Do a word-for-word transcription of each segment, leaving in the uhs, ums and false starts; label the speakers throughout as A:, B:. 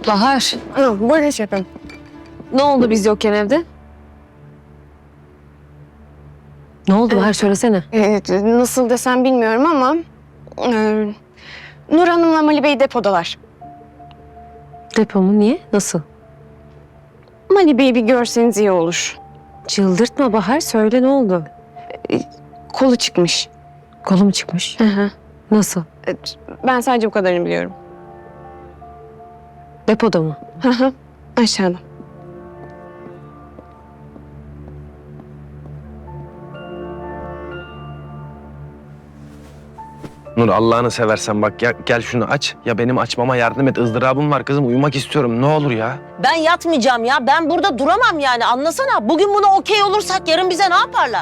A: Bahar,
B: Ha, buyurun şefim.
A: ne oldu biz yokken evde? Ne oldu Bahar, söylesene.
B: Evet, nasıl desem bilmiyorum ama... E, Nur Hanım'la Mali Bey depodalar.
A: Depo mu? Niye? Nasıl?
B: Mali Bey'i bir görseniz iyi olur.
A: Çıldırtma Bahar, söyle ne oldu?
B: Kolu çıkmış.
A: Kolu mu çıkmış?
B: Hı hı.
A: Nasıl?
B: Evet, ben sadece bu kadarını biliyorum.
A: Depoda mı?
B: Hı hı, aşağıda.
C: Nur Allah'ını seversen bak ya, gel şunu aç. Ya benim açmama yardım et. Izdırabım var kızım. Uyumak istiyorum. Ne olur ya.
D: Ben yatmayacağım ya. Ben burada duramam yani. Anlasana. Bugün buna okey olursak yarın bize ne yaparlar?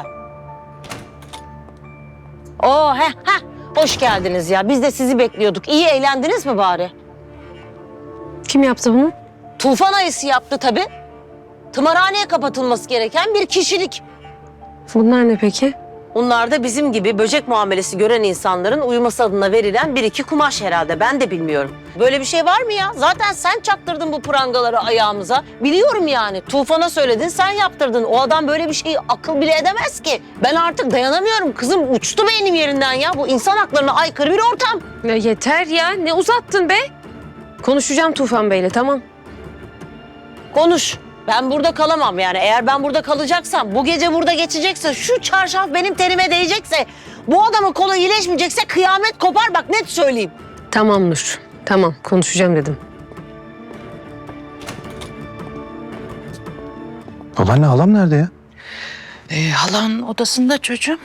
D: Oo he he. Hoş geldiniz ya. Biz de sizi bekliyorduk. İyi eğlendiniz mi bari?
A: Kim yaptı bunu?
D: Tufan ayısı yaptı tabii. Tımarhaneye kapatılması gereken bir kişilik.
A: Bunlar ne peki?
D: Bunlar da bizim gibi böcek muamelesi gören insanların uyuması adına verilen bir iki kumaş herhalde. Ben de bilmiyorum. Böyle bir şey var mı ya? Zaten sen çaktırdın bu prangaları ayağımıza. Biliyorum yani. Tufan'a söyledin, sen yaptırdın. O adam böyle bir şeyi akıl bile edemez ki. Ben artık dayanamıyorum. Kızım uçtu beynim yerinden ya. Bu insan haklarına aykırı bir ortam.
A: Ya yeter ya, ne uzattın be? Konuşacağım Tufan Bey'le, tamam.
D: Konuş. Ben burada kalamam yani. Eğer ben burada kalacaksam, bu gece burada geçecekse, şu çarşaf benim tenime değecekse, bu adamın kolu iyileşmeyecekse kıyamet kopar, bak net söyleyeyim.
A: Tamam Nur, tamam konuşacağım dedim.
E: Babaanne halam nerede ya?
F: Ee, halan odasında çocuğum.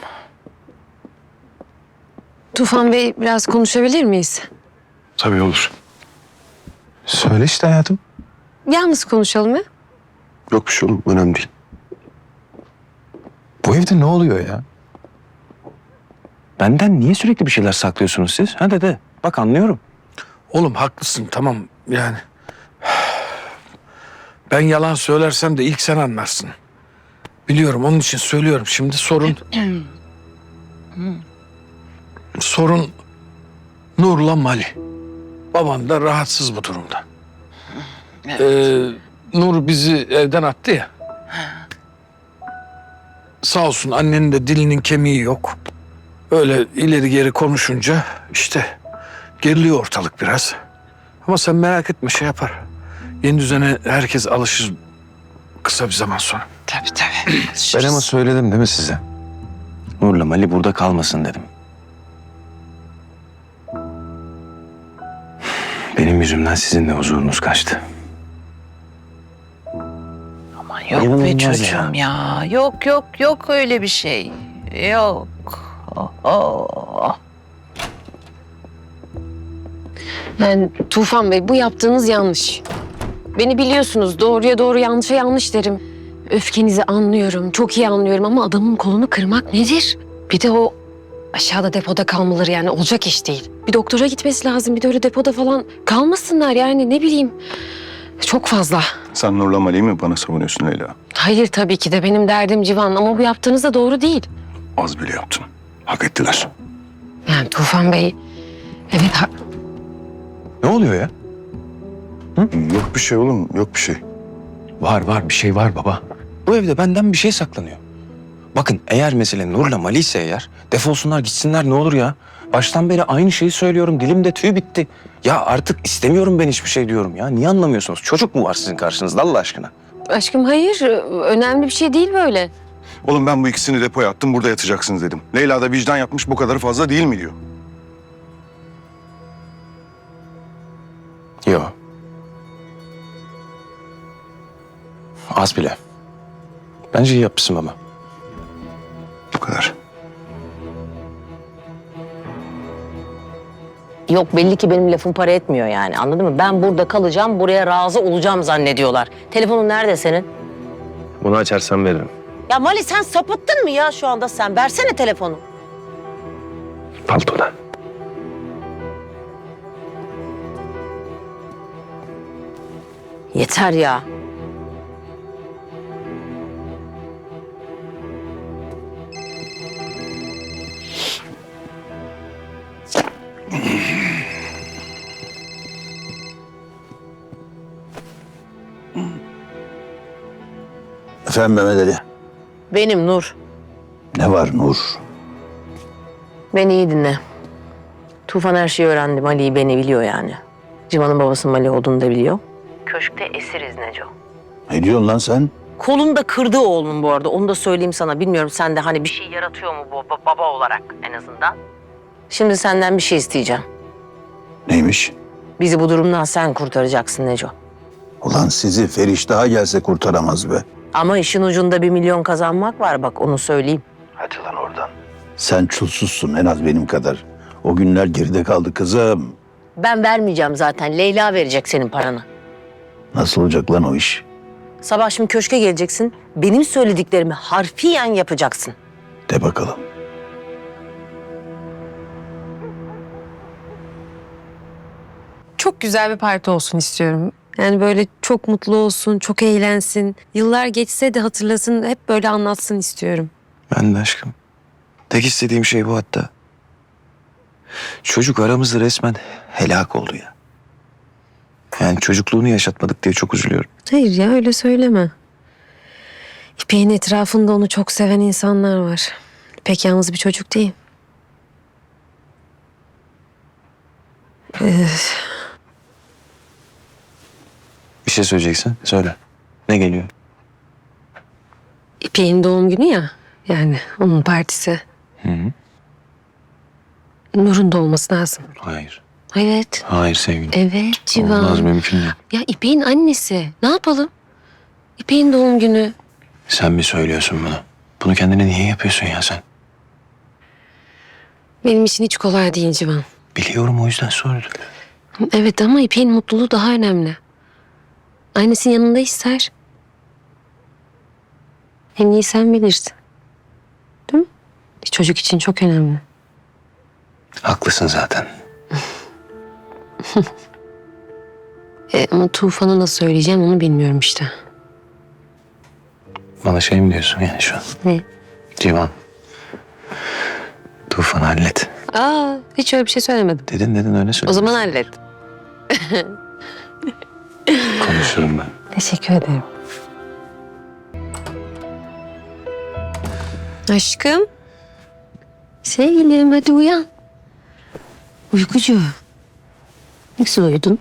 A: Tufan Bey, biraz konuşabilir miyiz?
E: Tabii olur. Söyle işte hayatım.
A: Yalnız konuşalım ya.
E: Yok bir şey oğlum, önemli değil. Bu evde ne oluyor ya? Benden niye sürekli bir şeyler saklıyorsunuz siz? Ha dede, bak anlıyorum.
G: Oğlum haklısın tamam yani. Ben yalan söylersem de ilk sen anlarsın. Biliyorum onun için söylüyorum. Şimdi sorun... sorun Nur'la Mali. Babam da rahatsız bu durumda. Ee, Nur bizi evden attı ya. Sağ olsun annenin de dilinin kemiği yok. Öyle ileri geri konuşunca işte geriliyor ortalık biraz. Ama sen merak etme şey yapar. Yeni düzene herkes alışır kısa bir zaman sonra.
F: Tabii tabii.
E: Ben ama söyledim değil mi size? Nur'la Mali burada kalmasın dedim. Benim yüzümden sizin de huzurunuz kaçtı.
F: Aman yok be
E: İnanılmaz
F: çocuğum ya. Yok yok yok öyle bir şey. Yok. Oh, oh.
A: Yani Tufan Bey, bu yaptığınız yanlış. Beni biliyorsunuz, doğruya doğru yanlışa yanlış derim. Öfkenizi anlıyorum, çok iyi anlıyorum ama adamın kolunu kırmak nedir? Bir de o aşağıda depoda kalmaları yani olacak iş değil. Bir doktora gitmesi lazım, bir de öyle depoda falan kalmasınlar yani ne bileyim. Çok fazla.
H: Sen Nur'la Mali'yi mi bana savunuyorsun Leyla?
A: Hayır tabii ki de benim derdim Civan ama bu yaptığınız da doğru değil.
H: Az bile yaptın. Hak ettiler.
A: Yani Tufan Bey, evet ha-
E: Ne oluyor ya?
H: Yok bir şey oğlum, yok bir şey.
E: Var var, bir şey var baba. Bu evde benden bir şey saklanıyor. Bakın eğer mesele Nur'la Mali ise eğer defolsunlar gitsinler ne olur ya. Baştan beri aynı şeyi söylüyorum. Dilimde tüy bitti. Ya artık istemiyorum ben hiçbir şey diyorum ya. Niye anlamıyorsunuz? Çocuk mu var sizin karşınızda Allah aşkına?
A: aşkım hayır, önemli bir şey değil böyle.
H: Oğlum ben bu ikisini depoya attım, burada yatacaksınız dedim. Leyla da vicdan yapmış, bu kadarı fazla değil mi diyor.
E: Yok. Az bile. Bence iyi yapmışsın baba.
H: Bu kadar.
D: Yok belli ki benim lafım para etmiyor yani anladın mı? Ben burada kalacağım, buraya razı olacağım zannediyorlar. Telefonun nerede senin?
C: Bunu açarsan veririm.
D: Ya Mali sen sapıttın mı ya şu anda sen? Versene telefonu.
C: Paltoda.
D: Yeter ya.
I: Efendim Mehmet Ali.
D: Benim Nur.
I: Ne var Nur?
D: Beni iyi dinle. Tufan her şeyi öğrendi. Mali'yi beni biliyor yani. Civan'ın babasının Mali olduğunu da biliyor. Köşkte esiriz Neco.
I: Ne diyorsun lan sen?
D: Kolunu da kırdı oğlum bu arada. Onu da söyleyeyim sana. Bilmiyorum sen de hani bir şey yaratıyor mu bu ba- baba olarak en azından. Şimdi senden bir şey isteyeceğim.
I: Neymiş?
D: Bizi bu durumdan sen kurtaracaksın Neco.
I: Ulan sizi Feriştah'a gelse kurtaramaz be.
D: Ama işin ucunda bir milyon kazanmak var bak onu söyleyeyim.
I: Hadi lan oradan. Sen çulsuzsun en az benim kadar. O günler geride kaldı kızım.
D: Ben vermeyeceğim zaten. Leyla verecek senin paranı.
I: Nasıl olacak lan o iş?
D: Sabah şimdi köşke geleceksin. Benim söylediklerimi harfiyen yapacaksın.
I: De bakalım.
A: Çok güzel bir parti olsun istiyorum. Yani böyle çok mutlu olsun, çok eğlensin. Yıllar geçse de hatırlasın, hep böyle anlatsın istiyorum.
E: Ben de aşkım. Tek istediğim şey bu hatta. Çocuk aramızda resmen helak oldu ya. Yani çocukluğunu yaşatmadık diye çok üzülüyorum.
A: Hayır ya, öyle söyleme. İpek'in etrafında onu çok seven insanlar var. İpek yalnız bir çocuk değil. Ee,
E: Bir şey söyleyeceksin, söyle. Ne geliyor?
A: İpek'in doğum günü ya. Yani onun partisi.
E: Hı hı.
A: Nur'un da olması lazım.
E: Hayır.
A: Evet.
E: Hayır sevgilim.
A: Evet Civan.
E: Olmaz, mümkün değil.
A: Ya İpek'in annesi. Ne yapalım? İpek'in doğum günü.
E: Sen mi söylüyorsun bunu? Bunu kendine niye yapıyorsun ya sen?
A: Benim için hiç kolay değil Civan.
E: Biliyorum, o yüzden sordum.
A: Evet ama İpek'in mutluluğu daha önemli. Annesinin yanında ister. En iyi sen bilirsin. Değil mi? Çocuk için çok önemli.
E: Haklısın zaten.
A: E, ama Tufan'a nasıl söyleyeceğim onu bilmiyorum işte.
E: Bana şey mi diyorsun yani şu an?
A: Ne?
E: Civan. Tufan hallet.
A: Aa, hiç öyle bir şey söylemedim.
E: Dedin dedin öyle söyle.
A: O zaman hallet.
E: Konuşurum ben.
A: Teşekkür ederim. Aşkım. Sevgilim hadi uyan. Uykucu. Nasıl uyudun?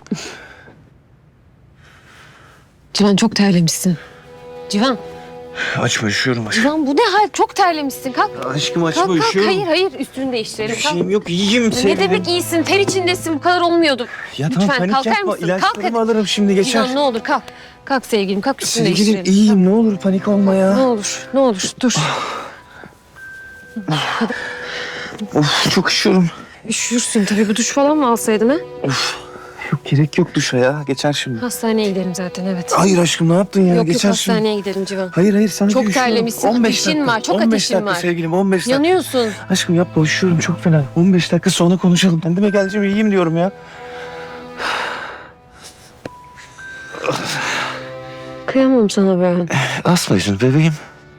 A: Civan çok terlemişsin. Civan.
E: Açma, üşüyorum aşkım.
A: Civan bu ne hal? Çok terlemişsin. Kalk.
E: Aşkım açma,
A: Kalk kalk.
E: üşüyorum.
A: Hayır hayır üstünü değiştirelim.
E: Bir
A: Kalk.
E: şeyim yok, iyiyim
A: Ne
E: sevgilim.
A: demek iyisin? Ter içindesin. Bu kadar olmuyordu.
E: Ya
A: Lütfen
E: tamam, panik
A: kalkar
E: yapma.
A: mısın? Kalk
E: İlaçlarımı
A: hadi.
E: alırım şimdi, geçer.
A: Civan ne olur kalk. Kalk sevgilim kalk üstünü
E: Sevgilim
A: değiştirelim.
E: iyiyim, ne olur panik olma ya.
A: Ne olur ne olur dur.
E: Of, çok üşüyorum.
A: Üşürsün tabii, bu duş falan mı alsaydın ha?
E: Yok, gerek yok duşa ya, geçer şimdi.
A: Hastaneye gidelim zaten evet.
E: Hayır aşkım, ne yaptın ya,
A: yok yok
E: geçer şimdi.
A: hastaneye gidelim Civan.
E: Hayır hayır, sana
A: Çok
E: bir üşüyorum.
A: terlemişsin,
E: on beş
A: ateşin
E: dakika,
A: var, çok
E: on beş
A: ateşin
E: dakika
A: var.
E: sevgilim, on beş dakika.
A: Yanıyorsun.
E: Aşkım yapma, üşüyorum çok fena. on beş dakika sonra konuşalım. Kendime geleceğim, iyiyim diyorum ya.
A: Kıyamam sana ben.
E: Asma yüzünü bebeğim.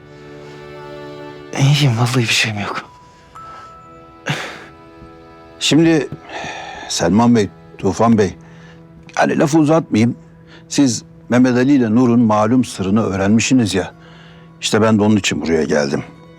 E: İyiyim, vallahi bir şeyim yok.
I: Şimdi Selman Bey, Tufan Bey, hani lafı uzatmayayım. Siz Mehmet Ali ile Nur'un malum sırrını öğrenmişsiniz ya. İşte ben de onun için buraya geldim.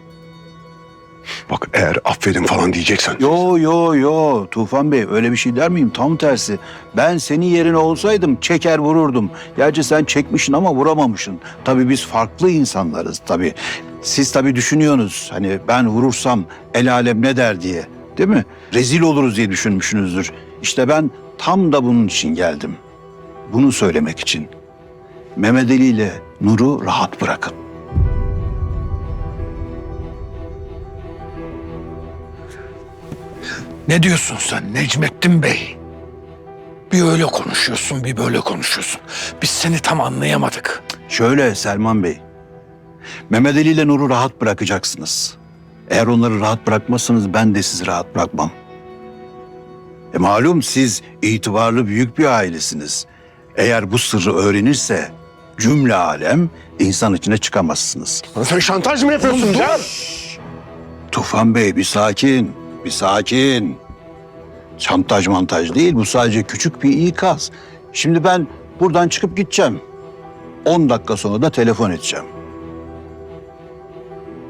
H: Bak eğer aferin falan diyeceksen.
I: Yo yo yo Tufan Bey, öyle bir şey der miyim? Tam tersi. Ben senin yerine olsaydım çeker vururdum. Gerçi sen çekmişsin ama vuramamışsın. Tabii biz farklı insanlarız tabii. Siz tabii düşünüyorsunuz hani ben vurursam el alem ne der diye. Değil mi? Rezil oluruz diye düşünmüşsünüzdür. İşte ben tam da bunun için geldim. Bunu söylemek için. Mehmet Ali ile Nur'u rahat bırakın.
G: Ne diyorsun sen Necmettin Bey? Bir öyle konuşuyorsun, bir böyle konuşuyorsun. Biz seni tam anlayamadık.
I: Şöyle Selman Bey. Mehmet Ali ile Nur'u rahat bırakacaksınız. Eğer onları rahat bırakmazsanız ben de sizi rahat bırakmam. E malum siz itibarlı büyük bir ailesiniz. Eğer bu sırrı öğrenirse cümle alem insan içine çıkamazsınız.
H: Sen şantaj mı yapıyorsun Can?
I: Tufan Bey bir sakin, bir sakin. Şantaj mantaj değil, bu sadece küçük bir ikaz. Şimdi ben buradan çıkıp gideceğim. On dakika sonra da telefon edeceğim.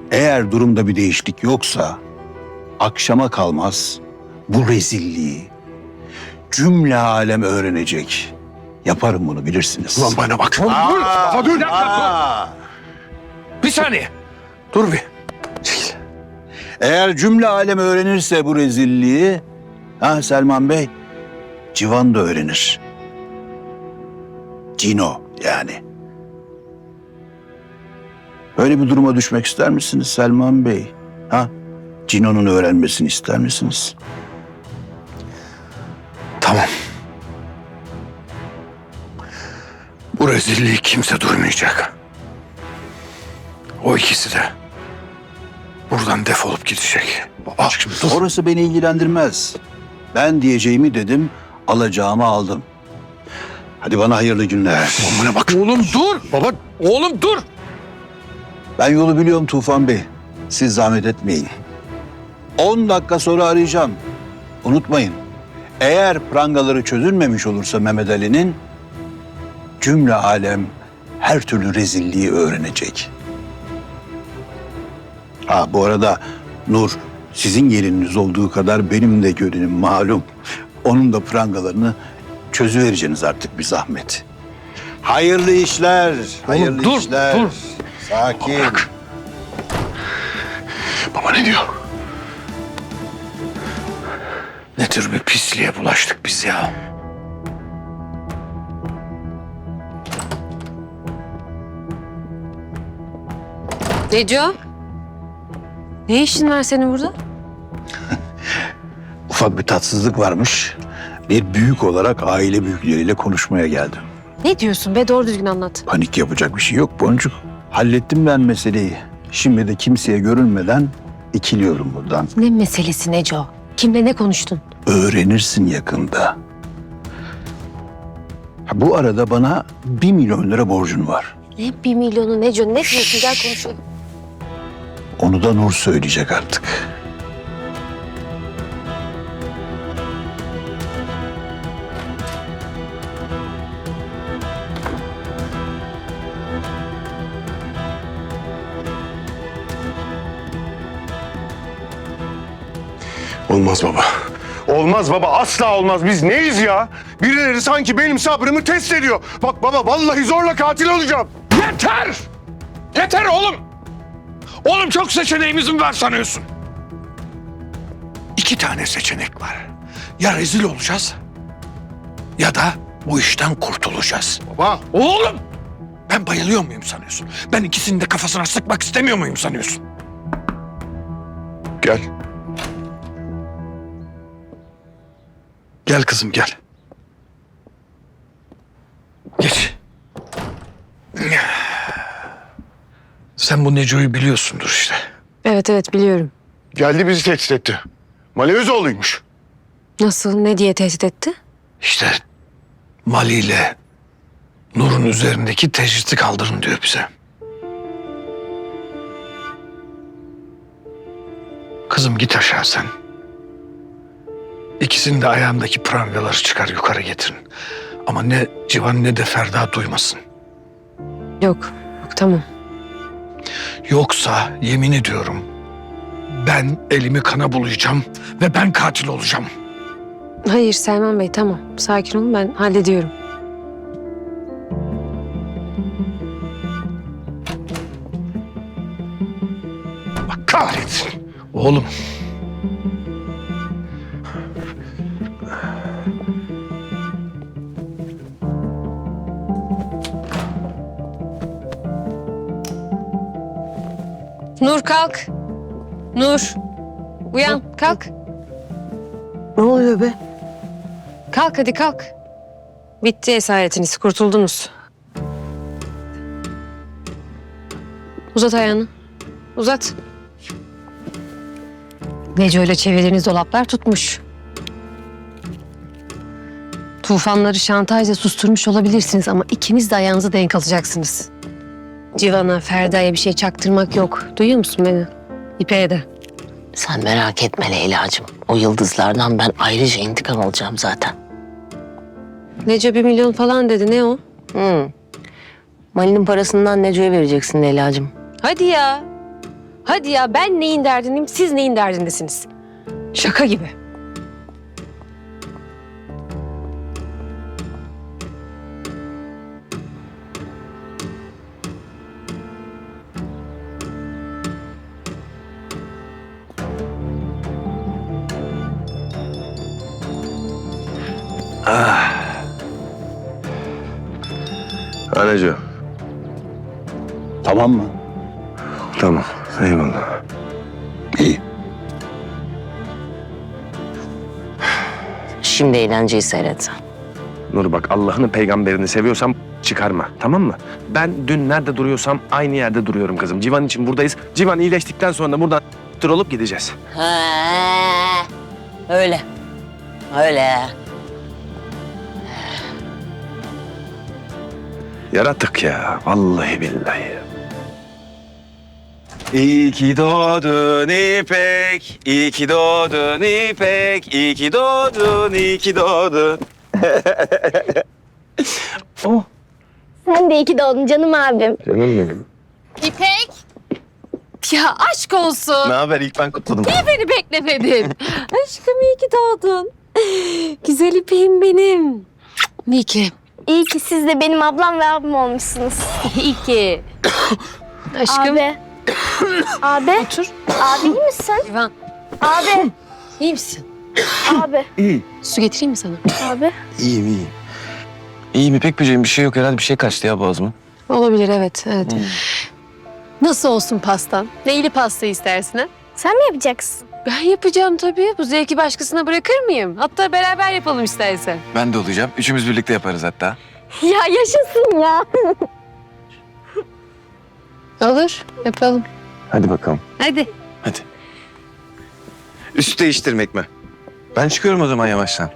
I: Eğer durumda bir değişiklik yoksa akşama kalmaz bu rezilliği cümle alem öğrenecek. Yaparım bunu, bilirsiniz.
G: Ulan bana bak. Dur. Baba dur. Bir dakika, dur. Bir saniye. Dur bir. Çekil.
I: Eğer cümle alem öğrenirse bu rezilliği, ha Selman Bey, Civan da öğrenir. Cino yani. Öyle bir duruma düşmek ister misiniz Selman Bey? Ha? Cino'nun öğrenmesini ister misiniz?
G: Tamam. Bu rezilliği kimse duymayacak. O ikisi de buradan defolup gidecek. Baba şimdi dur.
I: Orası beni ilgilendirmez. Ben diyeceğimi dedim, alacağımı aldım. Hadi bana hayırlı günler.
G: Bana bak. Oğlum dur. Baba oğlum dur.
I: Ben yolu biliyorum Tufan Bey. Siz zahmet etmeyin. On dakika sonra arayacağım. Unutmayın. Eğer prangaları çözülmemiş olursa Mehmet Ali'nin, cümle alem her türlü rezilliği öğrenecek. Ha bu arada Nur sizin gelininiz olduğu kadar benim de gelinim malum. Onun da prangalarını çözüvereceksiniz artık bir zahmet. Hayırlı işler. Hayırlı
G: dur,
I: işler.
G: dur.
I: Sakin.
G: Bak. Baba ne diyor? Ne tür bir pisliğe bulaştık biz ya?
A: Neco? Ne işin var senin burada?
I: Ufak bir tatsızlık varmış. Bir büyük olarak aile büyükleriyle konuşmaya geldim.
A: Ne diyorsun be? Doğru düzgün anlat.
I: Panik yapacak bir şey yok Boncuk. Hallettim ben meseleyi. Şimdi de kimseye görünmeden ikiliyorum buradan.
A: Ne meselesi Neco? Kimle ne konuştun?
I: Öğrenirsin yakında. Ha, bu arada bana bir milyon lira borcun var.
A: Ne bir milyonu Neco? Ne diyorsun? Gel konuşalım.
I: Onu da Nur söyleyecek artık.
H: Olmaz baba. Olmaz baba, asla olmaz. Biz neyiz ya? Birileri sanki benim sabrımı test ediyor. Bak baba, vallahi zorla katil olacağım.
G: Yeter! Yeter oğlum! Oğlum çok seçeneğimiz mi var sanıyorsun? İki tane seçenek var. Ya rezil olacağız ya da bu işten kurtulacağız.
H: Baba.
G: Oğlum! Ben bayılıyor muyum sanıyorsun? Ben ikisini de kafasına sıkmak istemiyor muyum sanıyorsun?
H: Gel.
G: Gel kızım gel. Geç. Sen bu Neco'yu biliyorsundur işte.
A: Evet evet biliyorum.
H: Geldi bizi tehdit etti. Malevezoğlu'ymuş.
A: Nasıl? Ne diye tehdit etti?
G: İşte Mali ile Nur'un üzerindeki tecriti kaldırın diyor bize. Kızım git aşağı sen. İkisinin de ayağındaki prangaları çıkar yukarı getirin. Ama ne Civan ne de Ferda duymasın.
A: Yok. Yok tamam.
G: Yoksa yemin ediyorum ben elimi kana bulayacağım ve ben katil olacağım.
A: Hayır Selman Bey tamam. Sakin olun ben hallediyorum.
G: Bak kahretsin. Oğlum.
A: Nur kalk. Nur. Uyan kalk.
D: Ne oluyor be?
A: Kalk hadi kalk. Bitti esaretiniz. Kurtuldunuz. Uzat ayağını. Uzat. Neco ile çevirdiğiniz dolaplar tutmuş. Tufanları şantajla susturmuş olabilirsiniz ama ikiniz de ayağınıza denk alacaksınız. Civan'a, Ferda'ya bir şey çaktırmak yok. Duyuyor musun beni? İpek'e de.
D: Sen merak etme Leyla'cığım. O yıldızlardan ben ayrıca intikam alacağım zaten.
A: Neco bir milyon falan dedi. Ne o?
D: Hmm. Mali'nin parasından Neco'ya vereceksin Leyla'cığım.
A: Hadi ya. Hadi ya, ben neyin derdindeyim, siz neyin derdindesiniz? Şaka gibi.
H: Anacığım.
I: Tamam mı?
H: Tamam. Eyvallah.
I: İyi.
D: Şimdi eğlenceyi seyret.
C: Nur bak, Allah'ını peygamberini seviyorsam çıkarma, tamam mı? Ben dün nerede duruyorsam aynı yerde duruyorum kızım. Civan için buradayız. Civan iyileştikten sonra da buradan tır olup gideceğiz.
D: He, öyle. Öyle.
C: Yaratık ya, vallahi billahi.
E: İyi ki doğdun İpek, iyi ki doğdun İpek, iyi ki doğdun, iyi ki doğdun. Oh.
B: Sen de iyi ki doğdun canım abim.
C: Canım benim.
A: İpek! Ya aşk olsun.
E: Ne haber? İlk ben kutladım.
A: Beni beklemedin. Aşkım iyi ki doğdun. Güzel İpek'im benim. İyi ki.
B: İyi ki siz de benim ablam ve abim olmuşsunuz.
A: İyi ki. Aşkım.
B: Abi. Abi.
A: Otur.
B: Abi iyi misin?
A: Civan,
B: Abi.
A: iyi misin?
B: Abi.
E: İyi.
A: Su getireyim mi sana?
B: Abi.
E: İyiyim, iyiyim. İyiyim İpek böceğim, bir şey yok herhalde, bir şey kaçtı ya boğazıma.
A: Olabilir, evet, evet. Nasıl olsun pastan? Neyli pasta istersin ha?
B: Sen mi yapacaksın?
A: Ben yapacağım tabii. Bu zevki başkasına bırakır mıyım? Hatta beraber yapalım istersen.
E: Ben de olacağım. Üçümüz birlikte yaparız hatta.
B: Ya yaşasın ya.
A: Olur, yapalım.
E: Hadi bakalım.
A: Hadi.
E: Hadi. Üst değiştirmek mi? Ben çıkıyorum o zaman yavaştan.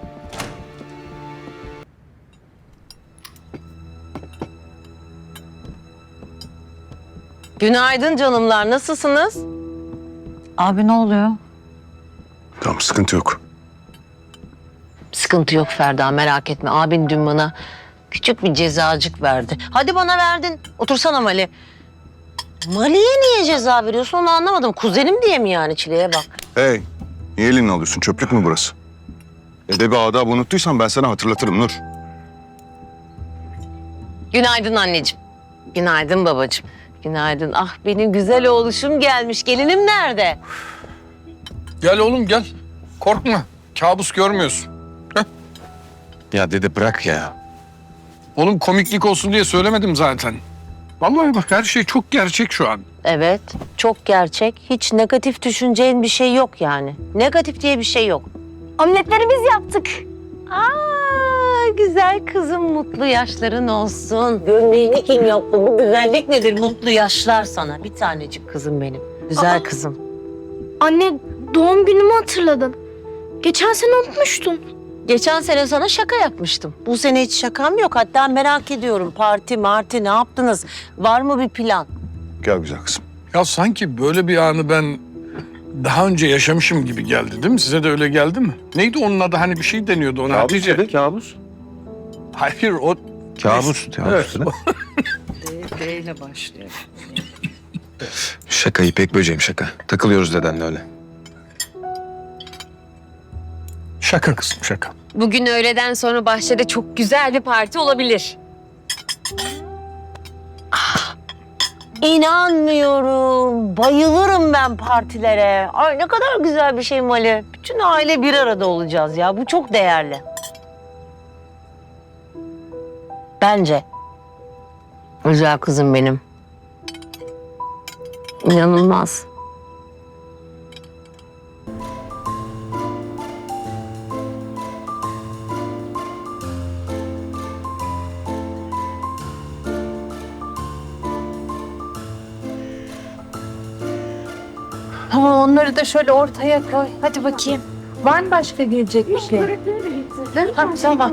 D: Günaydın canımlar, nasılsınız?
F: Abi ne oluyor?
H: Tamam, sıkıntı yok.
D: Sıkıntı yok Ferda, merak etme. Abin dün bana küçük bir cezacık verdi. Hadi bana verdin. Otursana Mali. Mali'ye niye ceza veriyorsun onu anlamadım. Kuzenim diye mi yani, çileye bak.
H: Hey, niye elini alıyorsun? Çöplük mü burası? Edebi adabı unuttuysan ben sana hatırlatırım Nur.
D: Günaydın anneciğim. Günaydın babacığım. Günaydın. Ah benim güzel oğluşum gelmiş. Gelinim nerede?
G: Gel oğlum gel. Korkma. Kabus görmüyorsun.
E: Ya dede bırak ya.
G: Oğlum komiklik olsun diye söylemedim zaten. Vallahi bak her şey çok gerçek şu an.
D: Evet, çok gerçek. Hiç negatif düşüneceğin bir şey yok yani. Negatif diye bir şey yok.
B: Omletleri biz yaptık.
D: Aa, güzel kızım, mutlu yaşların olsun. Gömleğini kim yaptı? Bu güzellik nedir? Mutlu yaşlar sana. Bir tanecik kızım benim. Güzel
B: Aa.
D: kızım.
B: Anne doğum günümü hatırladın. Geçen sene unutmuştun.
D: Geçen sene sana şaka yapmıştım. Bu sene hiç şakam yok. Hatta merak ediyorum. Parti, marti ne yaptınız? Var mı bir plan?
H: Gel güzel kızım.
G: Ya sanki böyle bir anı ben daha önce yaşamışım gibi geldi değil mi? Size de öyle geldi mi? Neydi onun adı? Hani bir şey deniyordu ona. Hatice.
E: dede, kabus.
G: Hayır o...
E: Kabus.
G: Evet.
E: Kabus dede.
F: D ile başlıyor.
E: Şaka İpek böceğim, şaka. Takılıyoruz dedenle öyle.
G: Şaka kızım şaka.
A: Bugün öğleden sonra bahçede çok güzel bir parti olabilir.
D: İnanmıyorum. Bayılırım ben partilere. Ay ne kadar güzel bir şey Mali. Bütün aile bir arada olacağız ya. Bu çok değerli. Bence. Güzel kızım benim. İnanılmaz.
F: Tamam onları da şöyle ortaya koy. Hadi bakayım. Var mı başka gelecek bir şey? Ha, tamam.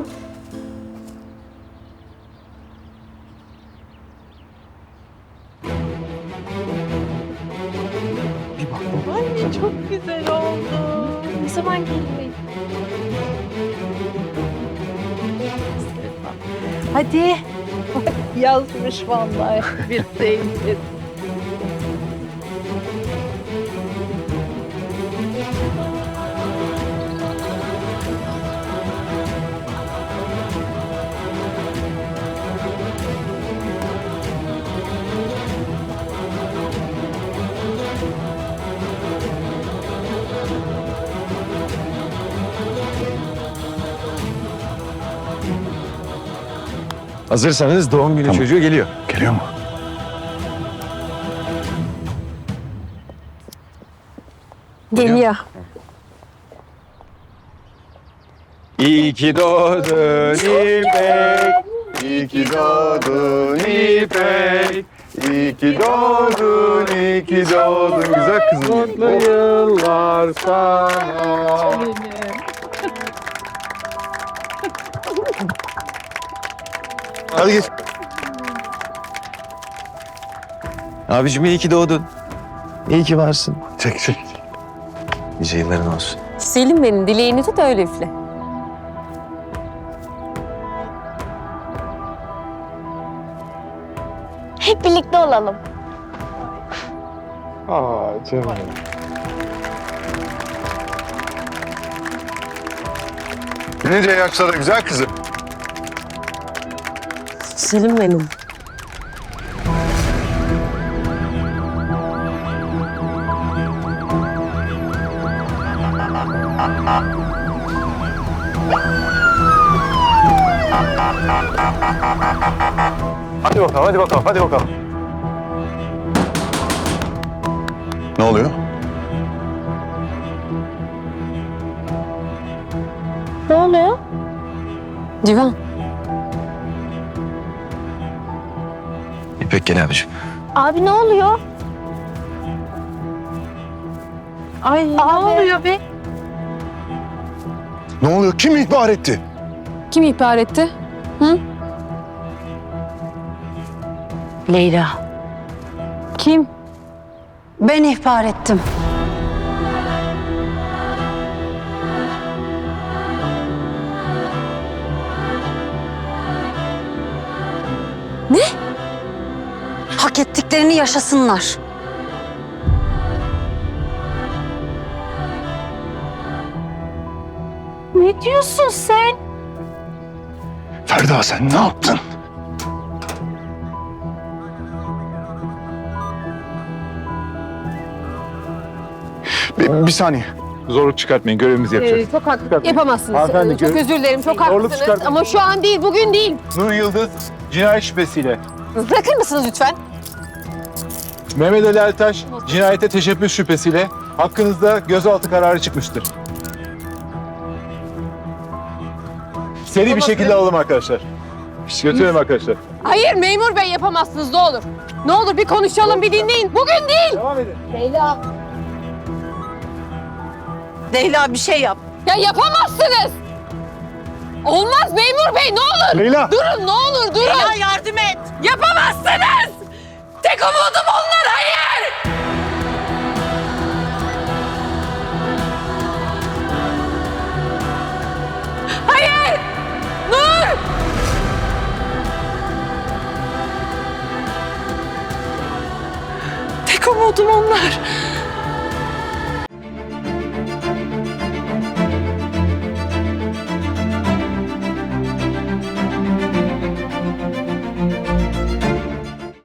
D: Çok güzel oldu.
B: Ne zaman geliyor?
F: Hadi. Yazmış vallahi bir sevgi.
E: Hazırsanız doğum günü
H: Tamam.
E: çocuğu geliyor.
H: Geliyor mu?
A: Geliyor.
E: İyi ki doğdun İpek.
H: İyi ki doğdun İpek. İyi ki doğdun, iyi ki doğdun güzel kızım. Mutlu yıllar sana. Hadi geç.
E: Abicim iyi ki doğdun. İyi ki varsın.
H: Çek çek.
E: Nice yılların olsun.
A: Selim benim dileğini tut öyle üfle.
B: Hep birlikte olalım.
H: Aa canım. Nice yaşlara güzel kızım.
D: Selim benim.
H: Hadi bakalım, hadi bakalım, hadi bakalım. Ne oluyor?
B: Ne oluyor?
A: Civan.
E: İpek gel abicim.
B: Abi ne oluyor?
F: Ay ne oluyor be?
H: Ne oluyor? Kim ihbar etti?
A: Kim ihbar etti?
J: Leyla,
A: Kim?
J: ben ihbar ettim.
A: Ne?
J: Hak ettiklerini yaşasınlar.
B: Ne diyorsun sen?
H: Ferda sen ne yaptın? Bir, bir saniye. Zorluk çıkartmayın. Görevimizi yapacağız.
A: Ee, çok haklı. Yapamazsınız.
H: Hanımefendi,
A: Ee, çok
H: gör-
A: özür dilerim. Çok
H: Zorluk
A: haklısınız.
H: çıkartın.
A: Ama şu an değil, bugün değil.
K: Nur Yıldız cinayet şüphesiyle.
A: Bırakır mısınız lütfen?
K: Mehmet Ali Ertaş cinayete teşebbüs şüphesiyle hakkınızda gözaltı kararı çıkmıştır. Seri bir şekilde alalım arkadaşlar. Götürelim arkadaşlar.
A: Hayır memur bey yapamazsınız ne olur. Ne olur bir konuşalım, bir dinleyin. Bugün değil.
K: Devam edin.
D: Leyla bir şey yap.
A: Ya yapamazsınız. Olmaz memur bey ne olur.
H: Leyla!
A: Durun ne olur durun.
D: Leyla yardım et.
A: Yapamazsınız. Tek umudum onlar, hayır. Hayır. Nur. Tek umudum onlar.